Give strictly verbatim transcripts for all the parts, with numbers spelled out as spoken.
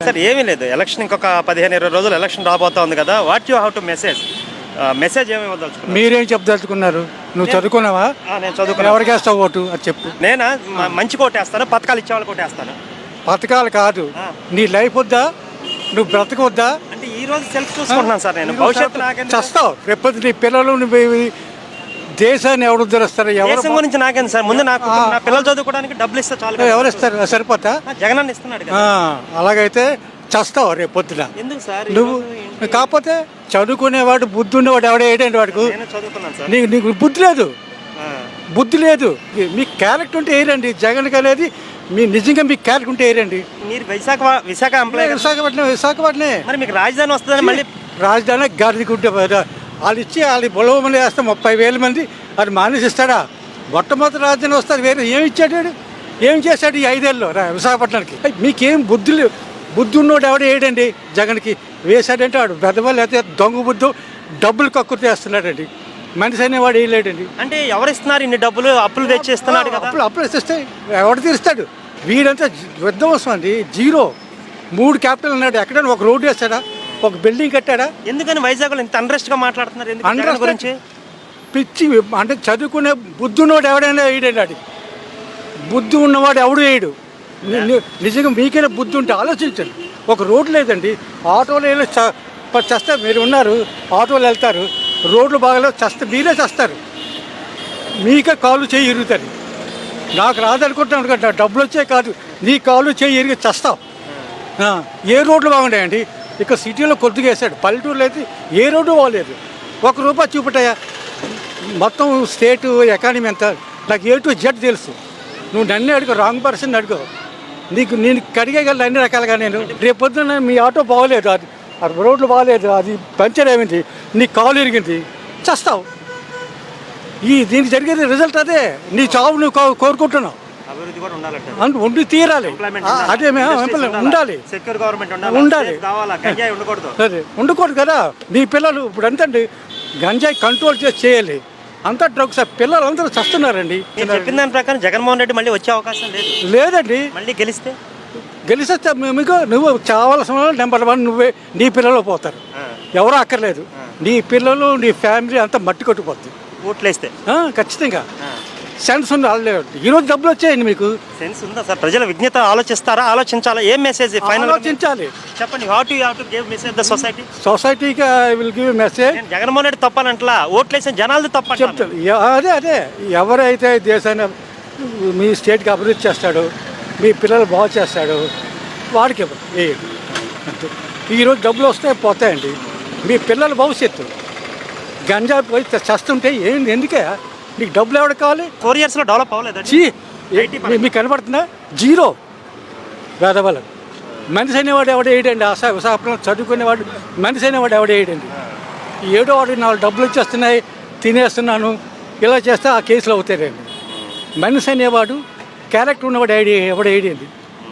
Sir ఏమీ లేదు, election ఇంకొక పదిహేను ఇరవై రోజులు ఎలక్షన్ రాబోతా ఉంది కదా, what you have to message message ఏమి ఇవ్వదలుచుకున్నారు? మీరేం చెప్పదలుచుకున్నారు? నువ్వు చదువుకున్నావా? నేను చదువుకున్నా. ఎవరికి వేస్తావు ఓటు అది చెప్పు. నేనా మ- మంచి కోటేస్తాను, పథకాలు ఇచ్చేవాళ్ళు కోటేస్తాను. పథకాలు కాదు, నీ లైఫ్ వద్దా? నువ్వు బ్రతకొద్దా? అంటే ఈ రోజు సెల్ఫ్ చూసుకుంటున్నాను సార్, నేను భవిష్యత్తు నాకెందుకు? చస్తావు రేపు. నీ పిల్లలు నువ్వు ఇవి దేశాన్ని ఎవరు ఉద్ధరిస్తారు? ఎవరు దేశం గురించి నాకేం సార్, ముందు నాకు నా పిల్లలు చదువుకోవడానికి డబ్బులు ఇస్తే చాలు కదా. ఎవరు ఇస్తారు? సరిపోతా? జగన్ అన్న ఇస్తున్నాడు కదా. ఆ, అలాగైతే చస్తావు రేపు పొద్దున. ఎందుకు సార్ ఈ నువ్వు రోజు ఏంటి? కాకపోతే చదువుకునేవాడు బుద్ధి ఉన్నవాడు ఎవడ ఏంటంటే వాడికి నేను చదువుకున్నాను సార్. నీకు నీకు బుద్ధి లేదు, ఆ. బుద్ధి లేదు. మీ క్యారెక్టర్ ఉంటే ఏరండి జగన్కి అనేది. మీ నిజంగా మీ క్యారెక్టర్ ఉంటే ఏరండి. మీరు విశాఖ విశాఖ ఎంప్లాయ్ కదా. విశాఖపట్నం విశాఖపట్నం మరి మీకు రాజధాని వస్తుందని మళ్ళీ రాజధాని గాడిదికుంటే వాళ్ళు ఇచ్చి వాళ్ళు బొలవమని వేస్తే ముప్పై వేల మంది అది మానేసి ఇస్తాడా? మొట్టమొదటి రాజధాని వస్తారు, వేరే ఏమి ఇచ్చాడు వాడు? ఏం చేశాడు ఈ ఐదేళ్ళలో రా విశాఖపట్నానికి? అయ్ మీకేం బుద్ధి లేవు. బుద్ధి ఉన్నోడు ఎవడ వేయడండి జగన్కి. వేశాడంటే వాడు పెద్దవాళ్ళు అయితే దొంగ బుద్ధు డబ్బులు కక్కుర్తి వేస్తున్నాడండి. మనిషి అనేవాడు వేయలేడండి. అంటే ఎవరు ఇస్తున్నారు ఇన్ని డబ్బులు? అప్పులు తెచ్చి ఇస్తున్నాడు కదా. అప్పులు అప్పులు ఇస్తే ఎవడు తీరుస్తాడు? వీడంతా విధ్వంసం అండి, జీరో. మూడు క్యాపిటల్ ఉన్నాడు, ఎక్కడైనా ఒక రోడ్డు వేస్తాడా? ఒక బిల్డింగ్ కట్టాడా? ఎందుకని వైజాగ్లో ఇంత అన్రెస్ట్ గా మాట్లాడుతున్నారు? ఎందుకు జగన్ Unrest గురించి? పిచ్చి అంటే చదువుకునే బుద్ధి ఉన్నవాడు ఎవడైనా వేయడండి. అది బుద్ధి ఉన్నవాడు ఎవడు వేయడు. ని- ని- నిజంగా మీకైనా బుద్ధి ఉంటే ఆలోచించండి. ఒక రోడ్డు లేదండి, ఆటోలో వెళ్ళి చ- ప- చస్తే మీరు ఉన్నారు, ఆటోలు వెళ్తారు, రోడ్లు బాగాలేవు, చస్తే మీరే చేస్తారు. మీకే కాళ్ళు చేయి ఇరుగుతుంది. నాకు రాదనుకుంటున్నాను కదా, డబ్బులు వచ్చే కాదు, నీ కాళ్ళు చేయి ఇరిగి చస్తావు. ఆ, ఏ రోడ్లు బాగుంటాయండి? ఇక్కడ సిటీలో కొద్దిగా వేసాడు, పల్లెటూరులో అయితే ఏ రోడ్డు బాగలేదు. ఒక రూపాయి చూపుతాయా? మొత్తం స్టేట్ ఎకానమీ ఎంత నాకు ఏ టు జెడ్ తెలుసు. నువ్వు నన్ను అడుగు, రాంగ్ పర్సన్ అడుగు. నీకు నేను కడిగేయగలను అన్ని రకాలుగా. నేను రేపు పొద్దున్న మీ ఆటో బాగోలేదు, అది ఆ రోడ్లు బాగలేదు, అది పంచర్ అయింది, నీ కాలు ఇరిగింది, చస్తావు. ఈ దీనికి జరిగేది రిజల్ట్ అదే. నీ చావు నువ్వు కో- కోరుకుంటున్నావు. అభివృద్ధి కూడా ఉండాలంటే అందు ఉండి తీరాలి. Employment ఆ, ఉండాలి. అదే మేము Industries ఎంప్లాయ్ ఉండాలి. ఉండాలి. సెక్యూర్ గవర్నమెంట్ ఉండాలి. ఉండాలి. Safe కావాలా, గంజాయి ఉండకూడదు. సరే ఉండకూడదు కదా. మీ పిల్లలు ఇప్పుడు ఎంతండి గంజాయి కంట్రోల్ చేసి చేయాలి. అంతా డ్రగ్స్. పిల్లలు అందరూ చస్తున్నారండి. నేను చెప్పిన దాని ప్రకారం జగన్మోహన్ రెడ్డి మళ్ళీ వచ్చే అవకాశం లేదు. లేదండి, మళ్ళీ గెలిస్తే గెలిస్తే మీకు నువ్వు చావాల్సిన వాళ్ళు నెంబర్ వన్ నువ్వే. నీ పిల్లలు పోతారు, ఆ, ఎవరో అక్కర్లేదు. నీ పిల్లలు నీ ఫ్యామిలీ అంతా మట్టి కొట్టుకుపోద్ది. ఓట్లేస్తే ఆ, ఖచ్చితంగా ఆ. సెన్స్ ఉంది. వాళ్ళు ఈరోజు డబ్బులు వచ్చాయండి మీకు. సెన్స్ ఉందా సార్? ప్రజల విజ్ఞత ఆలోచిస్తారా? ఆలోచించాలా? ఏం మెసేజ్ ఫైనల్ ఆలోచించాలి. చెప్పండి. How to have to give message the society? సొసైటీకి ఐ విల్ గివ్ మెసేజ్. నేను జగన్మోహన్ రెడ్డి తప్పాలంటలా, ఓట్లేసిన జనాలది తప్ప చెప్తాను. ఎ- అదే అదే ఎవరైతే దేశాన్ని మీ స్టేట్కి అభివృద్ధి చేస్తాడో, మీ పిల్లలు బాగు చేస్తాడో వాడికి ఇవ్వరు, వేయడు. అంతే. ఈరోజు డబ్బులు వస్తాయి పోతాయండి. మీ పిల్లల భవిష్యత్తు గంజా పోయి చస్తుంటే ఏంటి? ఎందుకే నీకు డబ్బులు ఎవరికి కావాలి? ఫోర్ ఇయర్స్ లో డెవలప్ అవ్వలేదండి. చీ, మీ- మీకు కనబడుతుందా? జీరో. పేదవాళ్ళు మనిషి అనేవాడు ఎవడ వేయడండి. ఆశా విశాఖపట్నం చదువుకునేవాడు మనిషి అనేవాడు ఎవడ వేయడండి. ఏడో వాడు నాలుగు డబ్బులు వచ్చేస్తున్నాయి, తినేస్తున్నాను, ఇలా చేస్తే ఆ కేసులు అవుతారండి. మనిషి అనేవాడు క్యారెక్టర్ ఉన్నవాడు ఐడి ఎవడ వేయడండి.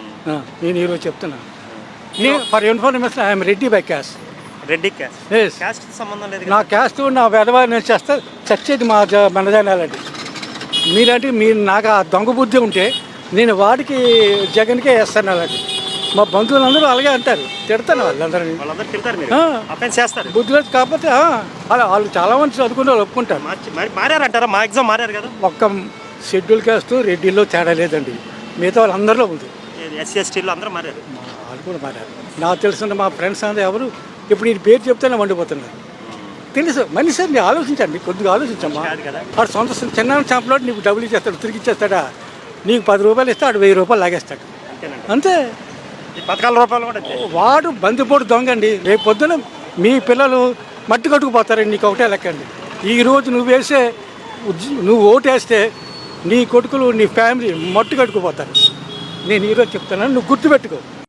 నేను ఈరోజు చెప్తున్నాను. నేను for information I'm Reddy by caste. Reddy caste. Yes, caste సంబంధం లేదు నా కదా. క్యాస్ట్ నా వెధవా నేను చేస్తే చచ్చేది మా జ మనజానాలండి. మీలాంటి మీరు నాకు ఆ దొంగ బుద్ధి ఉంటే నేను వాడికి జగన్కే వేస్తాను. అలాంటి మా బంధువులందరూ అలాగే అంటారు, తిడతాను వాళ్ళందరినీ. వాళ్ళందరూ తిడతారు, మీరు ఆ. అఫెన్స్ చేస్తారు. బుద్ధి లేదు కాకపోతే ఆ, అలా వాళ్ళు చాలామంది చదువుకునే వాళ్ళు ఒప్పుకుంటారు. మార్చి మరి మారారంటారా? మా ఎగ్జామ్ మారారు కదా. ఒక్క షెడ్యూల్ క్యాస్ట్ రెడ్డిలో తేడా లేదండి, మిగతా వాళ్ళందరిలో ఉంది. ఎస్సీ ఎస్టీలో అందరూ మారారు. మా వాళ్ళు కూడా మారారు. నాకు తెలిసిన మా ఫ్రెండ్స్ అందరూ ఎవరు ఇప్పుడు ఈ పేరు చెప్తేనే వండిపోతున్నారు. తెలుసు మనిషి అండి, ఆలోచించండి, కొద్దిగా ఆలోచించమ్మా. కాదు కదా. వాడు సొంత చిన్న షాప్లో నీకు డబ్బులు ఇచ్చేస్తాడు, తిరిగి ఇచ్చేస్తాడా? నీకు పది రూపాయలు ఇస్తే వాడు వెయ్యి రూపాయలు లాగేస్తాడు. అంతేనండి. అంతే. ఈ పథకాల రూపాయలు కూడా అంతే. వాడు బందిపోటు దొంగండి. రేపు పొద్దున మీ పిల్లలు మట్టి కట్టుకుపోతారండి. నీకు ఒకటే లెక్కండి. ఈరోజు నువ్వు వేసే ఉద్య- నువ్వు ఓటేస్తే నీ కొడుకులు నీ ఫ్యామిలీ మట్టి కట్టుకుపోతారు. నేను ఈరోజు చెప్తాను, నువ్వు గుర్తుపెట్టుకో.